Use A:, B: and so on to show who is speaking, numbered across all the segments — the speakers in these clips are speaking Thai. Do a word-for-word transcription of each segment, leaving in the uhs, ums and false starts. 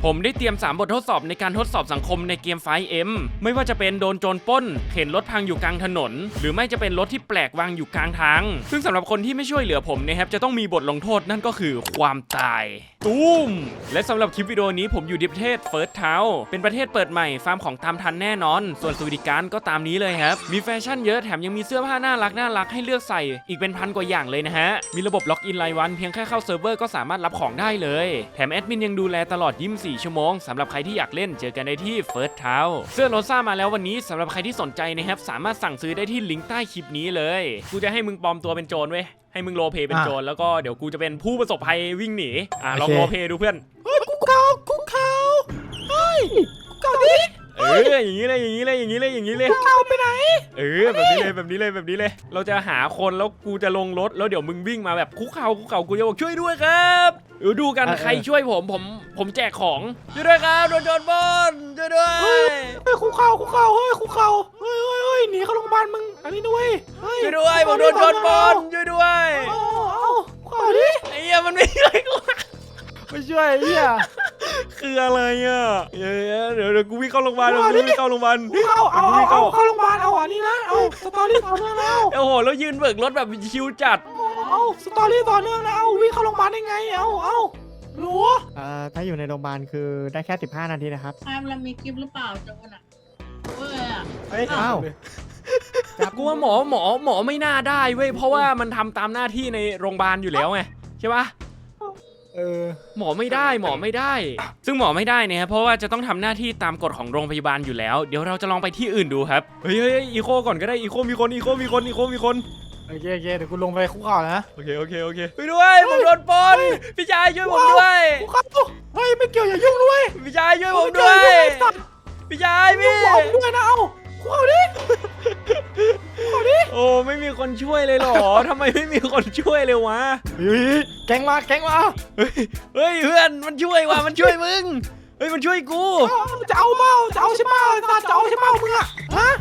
A: ผมได้เตรียมสามบททดสอบในการทดสอบสังคมในเกม ไฟว์ เอ็ม ไม่ว่าจะเป็นโดนโจรปล้นเข็นรถพังอยู่กลางถนนหรือไม่จะเป็นรถที่แปลกวางอยู่กลางทางซึ่งสำหรับคนที่ไม่ช่วยเหลือผมนะครับจะต้องมีบทลงโทษนั่นก็คือความตายตูมและสำหรับคลิปวิดีโอนี้ผมอยู่ที่ประเทศเฟิร์สเทาเป็นประเทศเปิดใหม่ฟาร์มของตามทันแน่นอนส่วนสวัสดิการก็ตามนี้เลยครับมีแฟชั่นเยอะแถมยังมีเสื้อผ้าน่ารักน่ารักให้เลือกใส่อีกเป็นพันกว่าอย่างเลยนะฮะมีระบบล็อกอินรายวันเพียงแค่เข้าเซิร์ฟเวอร์ก็สามารถรับของได้เลยแถมแอดมินยังดูแลตลอดยี่สิบสี่ชั่วโมงสำหรับใครที่อยากเล่นเจอกันได้ที่เฟิร์สเทาเสื้อโรซ่ามาแล้ววันนี้สำหรับใครที่สนใจนะครับสามารถสั่งซื้อได้ที่ลิงก์ใต้คลิปนี้เลยกูจะให้มึงปลอมตัวเป็นโจรเว้ยให้มึงโรลเพลย์เป็นโจรแล้วก็เดี๋ยวกูจะเป็นผู้ประสบภัยวิ่งหนีอ่ะลองโรลเพลย์ดูเพื่อน
B: เฮ้ยกูเขากูเขาเฮ้ยกูเขาดิ
A: เอออย่างนี้เลยอย่างนี้เลยอย่างนี้เลยอย่างนี้เลย
B: เขาไปไหน
A: เออแบบนี้เลยแบบนี้เลยแบบนี้เลยเราจะหาคนแล้วกูจะลงรถแล้วเดี๋ยวมึงวิ่งมาแบบคุกเข่าคุกเข่ากูจะบอกช่วยด้วยครับเออดูกันใครช่วยผมผมผมแจกของช่วยด้วยครับโดนโจรปล้นช่วยด้วย
B: เฮ้ยคุกเขาคุกเขาเฮ้ยคุกเขาเฮ้ยเฮ้ยเฮ้ยหนีเข้าโรงพยาบาลมึงอันนี้ด้วย
A: ช่วยด้วยผมโดนโจรปล้นช่วยด้วย
B: เอาเอาคุกเขาดิ
A: ไอ้เหี้ยมันไม่ช่วยกู
B: ไม่ช่วยไอ้เหี้ย
A: คืออะไรอ่ะเดี๋ยวเดี๋ยวเดี๋ยวกูวิ่งเข้าโรงพยาบาลเดี๋ยวกูวิ่งเข้าโรงพยาบาล
B: เอาเอาเอาเข้าโรงพยาบาลเอาอันนี้นะเอาสตอรี่ต่อเนื่องแล้ว
A: โอ้โหแล้วยืนเบิกรถแบบชิวจัด
B: เอาสตอรี่ต่อเนื่องแล้วเอาวิ่งเข้าโรงพยาบาลได้ไงเอาเอารู้
C: เอ่อถ้าอยู่ในโรงพยาบาลคือได้แค่สิบห้านาทีนะครับ
D: แอมเรามีคลิปหรือเปล่าจังวะน่ะเว้ยอ่ะ
C: เฮ้ยอ้าว
A: กูว่าหมอหมอหมอไม่น่าได้เว้ยเพราะว่ามันทำตามหน้าที่ในโรงพยาบาลอยู่แล้วไงใช่ปะ
C: เออ
A: หมอไม่ได้หมอไม่ได้ซึ่งหมอไม่ได้เนี่ยเพราะว่าจะต้องทำหน้าที่ตามกฎของโรงพยาบาลอยู่แล้วเดี๋ยวเราจะลองไปที่อื่นดูครับเฮ้ยเฮ้ยอีโคก่อนก็ได้อีโคมีคนอีโคมีคนอีโคมีคน
B: โอเคโอเคเดี๋ยวกูลงไปคุกเข่านะ
A: โอเคโอเคโอเคไปด้วยผมโดนปล้นพี่ชายช่วยผมด้วย
B: คุกเข่าเฮ้ยไม่เกี่ยวอย่ายุ่งด้วย
A: พี่ชายช่วยผมด้วยพี่ชายพี่
B: ด้วยนะเอาคุกเข่าดิคุกเข่าดิ
A: โอ้ไม่มีคนช่วยเลยหรอทำไมไม่มีคนช่วยเลยวะ
B: เฮ้ยแกงมาแกงมา
A: เฮ้ยเฮ้ยเพื่อนมันช่วยว่ะมันช่วยมึงเฮ้ยมันช่วยกู
B: จะเอาเมาจะเอาใช่เมาจะเอาใช่เมามึงอะฮะ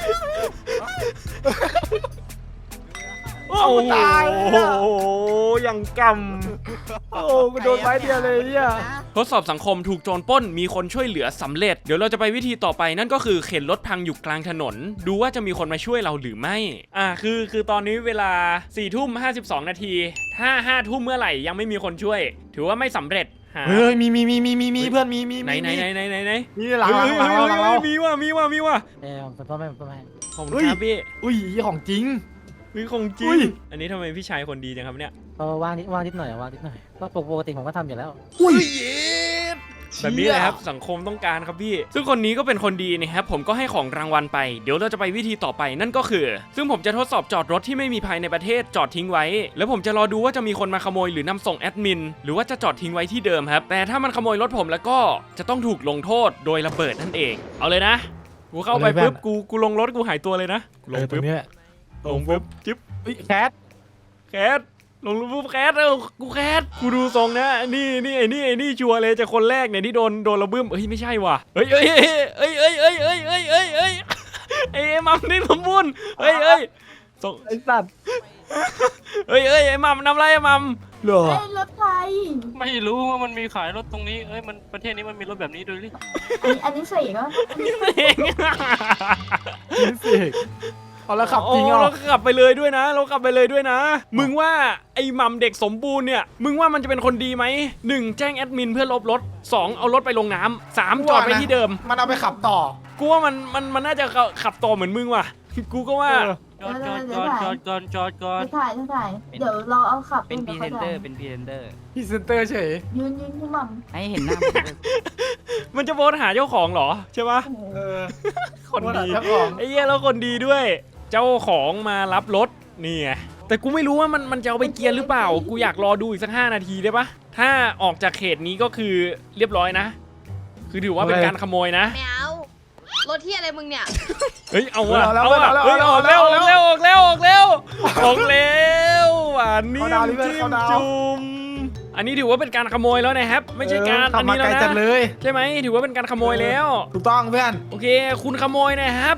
A: โอ้โหตายโอ้ยังกำ
B: โอ้กูโดนไม้เดียวเลยเนี่ย
A: ทดสอบสังคมถูกโจรปล้นมีคนช่วยเหลือสำเร็จเดี๋ยวเราจะไปวิธีต่อไปนั่นก็คือเข็นรถพังอยู่กลางถนนดูว่าจะมีคนมาช่วยเราหรือไม่อ่าคือคือตอนนี้เวลาสี่ทุ่มห้าสิบสองนาทีถ้าห้าทุ่มเมื่อไหร่ยังไม่มีคนช่วยถือว่าไม่สำเร็จ
B: เฮ้ยมีมีมีมีมีมีเพื่อนมีมี
A: ไหนไหนไหนไหนไหนไหน
B: มีหลังหลังหลังหลัง
A: มีว่ะมีว่ะมีว่ะ
C: เออผมพ่อแม่ผมพ่อแม่
A: ผมครับพี่
B: อุ้ยของจริง
A: วิของจริงอันนี้ทำไมพี่ชายคนดีจังครับเนี่ย
C: เออว่างนิดว่างนิดหน่อยว่างนิดหน่อยก็ปกติผมก็ทำอยู่แล้ว
A: อุ้ยแบบนี้เลยครับสังคมต้องการครับพี่ซึ่งคนนี้ก็เป็นคนดีนะครับผมก็ให้ของรางวัลไปเดี๋ยวเราจะไปวิธีต่อไปนั่นก็คือซึ่งผมจะทดสอบจอดรถที่ไม่มีภายในประเทศจอดทิ้งไว้แล้วผมจะรอดูว่าจะมีคนมาขโมยหรือนำส่งแอดมินหรือว่าจะจอดทิ้งไว้ที่เดิมครับแต่ถ้ามันขโมยรถผมแล้วก็จะต้องถูกลงโทษโดยระเบิดนั่นเองเอาเลยนะกูเข้าไปปุ๊บกูกูลงรถกูหายตัวเลยนะ
B: ลงปุ๊บ
A: ลงปุ๊บจิ๊บ
B: แคท
A: แคทลงรูปแคทเออกูแคทกูดูทรงนะนี่นี่ไอ้นี่ไอ้นี่ชัวร์เลยจะคนแรกเนี่ยที่โดนโดนระบึ้มเฮ้ยไม่ใช่ว่ะเฮ้ยเฮ้ยเฮ้ยเฮ้ยเฮ้ยเฮ้ยเฮ้ยเฮ้ยเฮ้ยไอ้มัมนี่สมบูรณ์เฮ้ยเฮ้ยส่ง
B: ไอ้สัตว์
A: เฮ้ยเฮ้ยไอ้มัมนำไรไอ้มัม
B: เหรอ
D: รถไฟ
E: ไม่รู้ว่ามันมีขายรถตรงนี้เอ้ยมันประเทศนี้มันมีรถแบบนี้ด้วยหรือ
D: อันนี้เสกก็
A: อันนี้เสก
B: นี่เสกเอาแล้วขับจริง
A: เราขับไปเลยด้วยนะเราขับไปเลยด้วยนะมึงว่าไอ้มัมเด็กสมบูรณ์เนี่ยมึงว่ามันจะเป็นคนดีไหมหนึ่งแจ้งแอดมินเพื่อลบรถสองเอารถไปลงน้ำสามจอดไปที่เดิม
B: มันเอาไปขับต่อ
A: กูว่ามันมันมันน่าจะขับต่อเหมือนมึงว่ะกูก็ว่า
E: จอดจอดจอดจอดก่อนจอดก่อน
D: ถ่ายถ่ายเดี๋ยวเราเอาขับ
C: เป็นพรีเซนเตอร์เป็นพรีเซนเตอร์
B: พรีเซนเตอร์เฉย
D: ยืนยืนที่มัม
C: ให้เห็นหน้า
A: มันจะโพสหาเจ้าของเหรอใช่ปะ
B: เออ
A: คนดีไอ้เหี้ยแล้วคนดีด้วยเจ้าของมารับรถนี่ไงแต่กูไม่รู้ว่ามันมันจะเอาไปเกียร์หรือเปล่ากูอยากรอดูอีกสักห้านาทีได้ปะถ้าออกจากเขตนี้ก็คือเรียบร้อยนะคือถือว่าเป็นการขโมยนะ
D: ไม่เอารถที่อะไรมึงเนี่ย
A: เฮ้ยเอาอะเอาอะเฮ้ยออกแล้วออกแล้วออกแล้วออกแล้วออกแล้วหวานนิ่มจิ้มจุ่มอันนี้ถือว่าเป็นการขโมยแล้วนะครับไม่ใช่การอันนี้แล้วนะใช่ไหมถือว่าเป็นการขโมยแล้ว
B: ถูกต้องเพื่อน
A: โอเคคุณขโมยนะครับ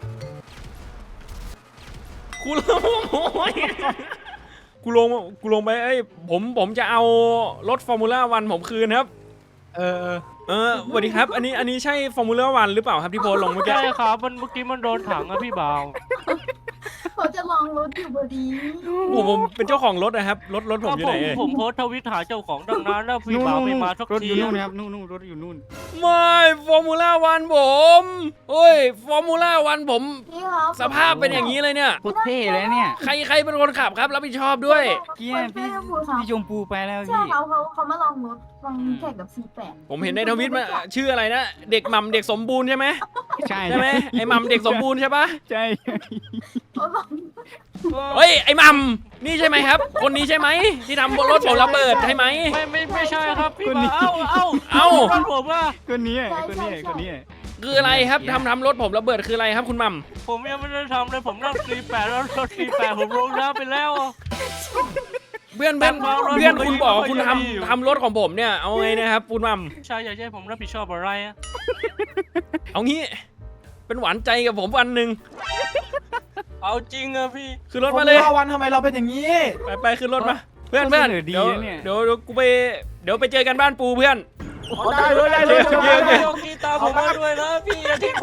A: กูลงกูลงกูลงไปเอ้ยผมผมจะเอารถฟอร์มูล่าวันผมคืนครับ
B: เออ
A: เออสวัสดีครับอันนี้อันนี้ใช่ฟอร์มูล่าวันหรือเปล่าครับที่โพสต์ลงเมื่อกี้
E: ใช่ครับมันเมื่อกี้มันโดนถังอะพี่บ่าว
D: เขาจะลองรถอยู่พอดี
A: ผมผมเป็นเจ้าของรถนะครับรถรถผม
E: ก็
A: อยู่
E: ผ
A: ไหน
E: ม
A: เอ่ย
E: ผมโพสต์ทวิตหาเจ้าของดังนั้นแล้วพี่บ่าวไม่มาสัก
B: รถอ
E: ที
B: ยู่นู่นนะครับนู่นนู่นรถอยู่นู่น
A: ไม่ฟอร์มูล่าวันผมโอ้ยฟอร์มูล่าวันผม
D: พี่ครับ
A: สภาพเป็นอย่างนี้เลยเนี่ย
B: โคตรเท่เลยเนี่ย
A: ใครใครเป็นคนขับครับรับผิดชอบด้วย
B: เกี้ยพี่พี่ชมพูไปแล้ว
D: ใช่
B: พี่
D: เขาเขาเขามาลองรถลองแข่งกับซีแปด
A: ผมเห็นในทวิตมาชื่ออะไรนะเด็กหม่ำเด็กสมบูรณ์ใช่ไหม
B: ใช่
A: ใช่ไหมไอ้หม่ำเด็กสมบูรณ์ใช่ปะ
B: ใช่
D: เขาลอง
A: เฮ้ยไอ้หม่ำนี่ใช่ไหมครับ คนนี้ใช่ไหมที่ทำรถผมระเบิดใช่ไหม
E: ไม่ไม่ไม่ใช่ครับพี่บ่าวเอ้าเอ้า
A: เอ้า
E: รถผมว่า
B: คนนี้คนนี้คนนี้
A: คืออะไรครับทำทำรถผมระเบิดคืออะไรครับคุณหม่ำ
E: ผมยังไม่ได้ทำเลยผมนั่งสี่แปดแล้วรถสี่แปดผมลงน้ำไปแล้วอะ
A: เพื่อนเพื่อน
E: ตั้งรถ
A: เพื่อน
E: ผม
A: คุณบอกว่า
E: ก็
A: คุณ
E: ยังมีอยู่
A: ทำทำรถของผมเนี่ยเอาไงนะครับคุณหม่
E: ใช่อยากให้ผมรับผิดชอบอะไรอะ
A: ำเอางี้ เป็นหวานใจกับผมวันหนึ่ง
E: เอาจริงอะพี่
A: คือรถมาเลย
B: วันทำไมเราเป็นอย่างนี้
A: ไปไปขึ้นรถมาเพื่อนเพื่อน
B: เสนอดี
A: เดี๋ยว
B: นะเนี่ย
A: เดี๋ยวเดี๋ยวกูไปเดี๋ยวไปเจอกันบ้านปูเพื่อน
B: ได้เลยได้เลย
A: โอเคโอเค
E: โยกีตาผมมาด้วยนะพี่อย่าทิ้งผม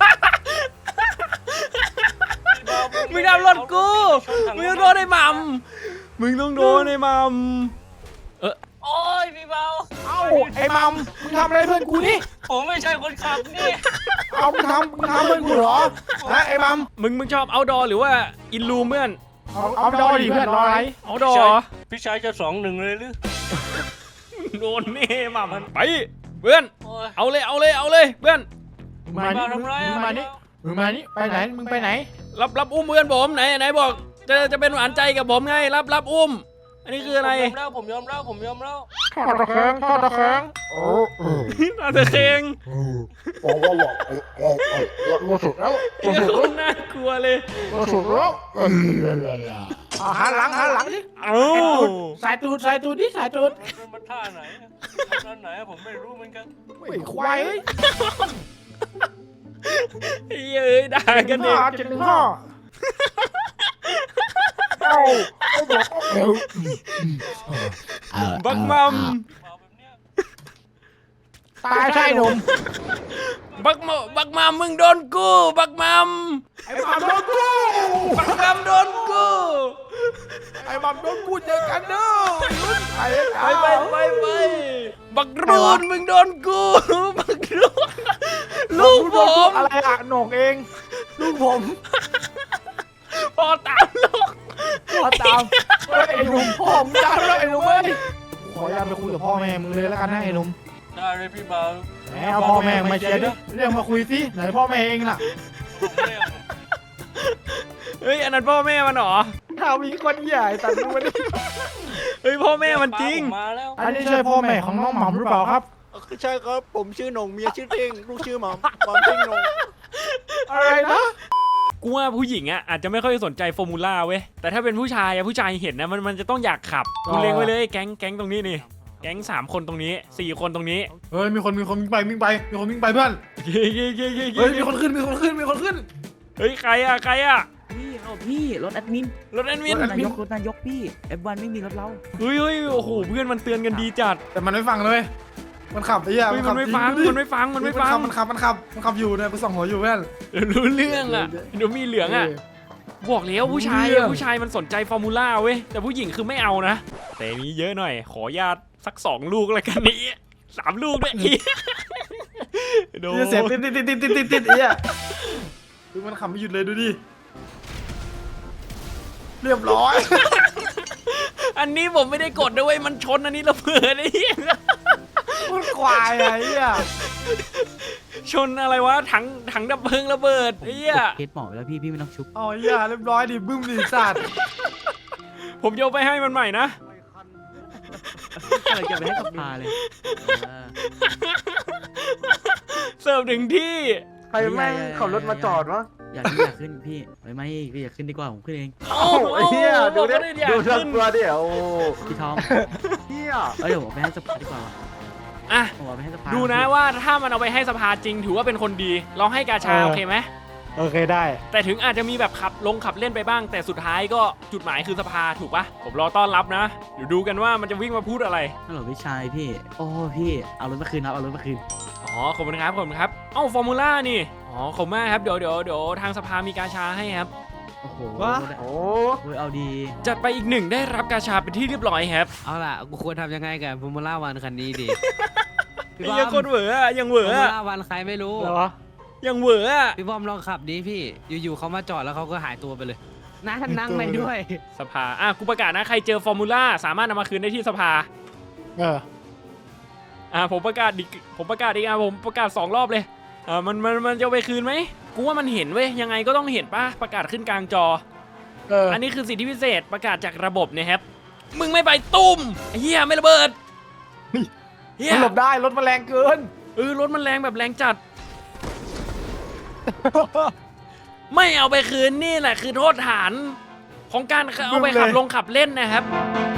A: มึงทำรถกูมึงต้องโดนไอ้หม่ำมึงต้องโดนไอ้หม่ำเออ
E: โอ้ยพี่เบา
B: เอ้าไอ้มัมมึงทำอะไรเพื่อนกูนี่
E: ผมไม่ใช่คนขับนี่
B: เอามึงทำมึงทำเพื่อนกูเหรอนะไอ้มัม
A: มึงมึงชอบเอาดอหรือว่าอินรูเพื่อน
B: เอาเอาดอดิเพื่อนรออะไร
A: เอาดอ
E: พี่ชายจะสองหนึ่งเลยหรือ
A: โดนแน่หม่ำไปเพื่อน
E: โอ้ย
A: เอาเลยเอาเลยเอาเลยเพื่อน
B: มึงมานี่มึงมานี่มึงมานี่ไปไหนมึงไปไหน
A: รับรับอุ้มเพื่อนผมไหนไหนบอกจะจะเป็นหวานใจกับผมไงรับรับอุ้ม อันนี้คืออะไร
E: ผมยอมแล้วผมยอมแล้วผมยอมแล้ว
B: ทอดตะแคงทอดตะแคงโอ้
A: น่าจะเคง
F: บอกว่าหลอกเออเออเออรู้สึกแล้ว
A: เหี้ยโคนน่ากลัวเลย
F: รู้สึกแล้วเออ
B: เอาหันหลังหันหลังดิ
A: เอ้า
B: สายตูดสายตูดดิสายตูด
E: มันท่าไหนท่าไหนผมไม่รู้เหมือนกัน
B: ไอ้ควายเอ้ย
A: เฮ้ยเอ้ยด่ากันเอง
B: เจ็ดหนึ่งห้า
F: เอ้าไม่บอกเออ
A: บักมัม
E: เบาแบบเนี้ย
B: ตายใช่หนุ่ม
A: บักมบักมัมมึงโดนกูบักมัม
B: ไอ้มัมโดนกู
A: บักมัมโดนกู
B: ไอ้มัมโดนกูเจอกันเด้อไอ้
A: ไปไปไปไปบักรูนมึงโดนกูบักรูนลูกผม
B: อะไรอะหนกเองลูกผม
A: พอตามลูก
B: พ่อตามเฮ้ยไอ้หนุ่มพ่อมึงตามแล้วไอ้หนุ่มเอ้ยขออนุญาตไปคุยกับพ่อแม่มึงเลยแล้วกันนะไอ้หนุ่ม
E: ได้เลยพี่เบา
B: แหมเอาพ่อแม่มาเชียร์ดิเรียกมาคุยสิไหนพ่อแม่เองล่ะ
E: ผมเรียก
A: เฮ้ยอันนั้นพ่อแม่มันเหรอ
B: ถ้ามีคนใหญ่ตัดดูมันดิ
A: เฮ้ยพ่อแม่มันจริง
E: มาแล้ว
B: อันนี้ใช่พ่อแม่ของน้องหม่ำหรือเปล่าครับ
G: ใช่ครับ ผมชื่อหนงเมียชื่อเท่งลูกชื่อหม่ำหม่ำเท่งหนง
B: อะไรนะ
A: กูว่าผู้หญิงอ่ะอาจจะไม่ค่อยสนใจฟอร์มูล่าเว้ยแต่ถ้าเป็นผู้ชายอะผู้ชายเห็นนะมันมันจะต้องอยากขับกูเล็งไว้เลยแก๊งแก๊งตรงนี้นี่แก๊งสามคนตรงนี้สี่คนตรงนี้
B: เฮ้ยมีคนมีคนวิ่งไปวิ่งไปมีคนวิ่งไปเพื่อน
A: เย้เย้เย้เย้
B: เฮ้ยมีคนขึ้นมีคนขึ้นมีคนขึ้น
A: เฮ้ยใครอ่ะใครอ่ะ
H: พี่เอาพี่รถแอดมิน
A: รถแอดมิน
B: รถแอด
H: นายกรถนายกพี่เอฟวันไม่มีรถเรา
A: เฮ้ยเฮ้ยโอ้โหเพื่อนมันเตือนกันดีจัด
B: แต่มันไม่ฟังเลย มันขับไอ้เหี้ย
A: เฮ้ยมันไม่ฟังมันไม่ฟังมันไม่ฟัง
B: มันขับมันขับมันขับอยู่เนี่ยกูส่องหัวอยู่เพื่อน
A: รู้เรื่องอ่ะเดี๋ยวมีเหลืองอ่ะบอกแล้วผู้ชาย
B: รู้เรื่
A: อะ
B: อง
A: ผู้ชายมันสนใจฟอร์มูล่าเว้ยแต่ผู้หญิงคือไม่เอานะแต่นี้เยอะหน่อย ขอญาตสักสองลูกแล้วกันนี้สามลูกด้วยอีโด
B: เหี้ยเสียงติดติดติดติดติดติดติดไอ้เหี้ยดูมันขับไม่หยุดเลยดูดิเรียบร้อย
A: อันนี้ผมไม่ได้กดด้วยมันชนอันนี้ระเบิดไอ้เหี้ย
B: มันควายอะไอ้เหี้ย
A: ชนอะไรวะถังถังดับเพลิงระเบิดไอ้เหี้ย
H: เคสหมอไปแล้วพี่พี่ไม่ต้องชุบ
B: เอาไอ้เหี้ยเรียบร้อยดิบึ้มดิสัตว์
A: ผมโยนไปให้มันใหม่นะ
H: เลยจะไปให้กับพาเลยเออ
A: เสิร์ฟถึงที่
H: ใครแม่งขับรถมาจอดวะอยากขึ้นอยากขึ้นพี่ไม่ไม่พี่อยากขึ้นดีกว่าผมขึ้นเอง
A: โอ้ไอ้เหี้ยดูดิดูเรื่องตัวดิ
H: พี่ทอม
G: เฮีย
H: เอ้ยเดี๋ยวผมไปให้สภาดีกว่า
A: อ่ะ
H: ผมเอาไปให้สภา
A: ดูนะว่าถ้ามันเอาไปให้สภาจริงถือว่าเป็นคนดีเราให้กาชาโอเคไหม
B: โอโอเคได้
A: แต่ถึงอาจจะมีแบบขับลงขับเล่นไปบ้าง แต่สุดท้ายก็จุดหมายคือสภาถูกปะผมรอต้อนรับนะเดี๋ยวดูกันว่ามันจะวิ่งมาพูดอะไร
H: ฮัลโหลพี่ชายพี่ โอ้พี่เอารถมาคืนครับเอารถมาคืน
A: อ๋อขอบคุณครับขอบคุณครับเอ้าฟอร์มูล่านี่อ๋อขอบคุณมากครับเดี๋ยวเดี๋ยวเดี๋ยวทางสภามีกาชาให้ครับ
H: โอ้โห
G: วะ
H: โอ้
B: โอ้
H: ยเอาดี
A: จัดไปอีกหนึ่งได้รับกาชาเป็นที่เรียบร้อยครับ
I: เอาล่ะกูควรทำยังไงกับฟอร์มูล่าวันคันนี้ดี พี่
A: ไอ้
I: บอ
A: ยัง
I: ม
A: คนเหวออะยังเหว
I: ฟอ
A: อ
I: ร์มู
A: อะ
I: ล่าวันใครไม่รู้
B: อะไรวะ
A: ยังเหวออะ
I: พี่บอมลองขับดิพี่อยู่ๆเขามาจอดแล้วเขาก็หายตัวไปเลยนั่งนั่งไปด้วย
A: สภาอ่ะกูประกาศนะใครเจอฟอร์มูล่าสามารถนำมาคืนได้ที่สภา
B: เออ
A: อ่ะผมประกาศดิผมประกาศอีกอ่ะผมประกาศสองรอบเลยอ่ามันมันมันจะเอาไปคืนไหมกูว่ามันเห็นเว้ยยังไงก็ต้องเห็นป่ะประกาศขึ้นกลางจอ
B: เออ
A: อันนี้คือสิทธิพิเศษประกาศจากระบบนะครับ มึงไม่ไปตุ้มไอ้เฮียไม่ระเบิดเฮีย
B: มันหลบได้รถมันแรงเกิน
A: เออรถมันแรงแบบแรงจัด ไม่เอาไปคืนนี่แหละคือโทษฐานของการเอาไปขับลงขับเล่นนะครับ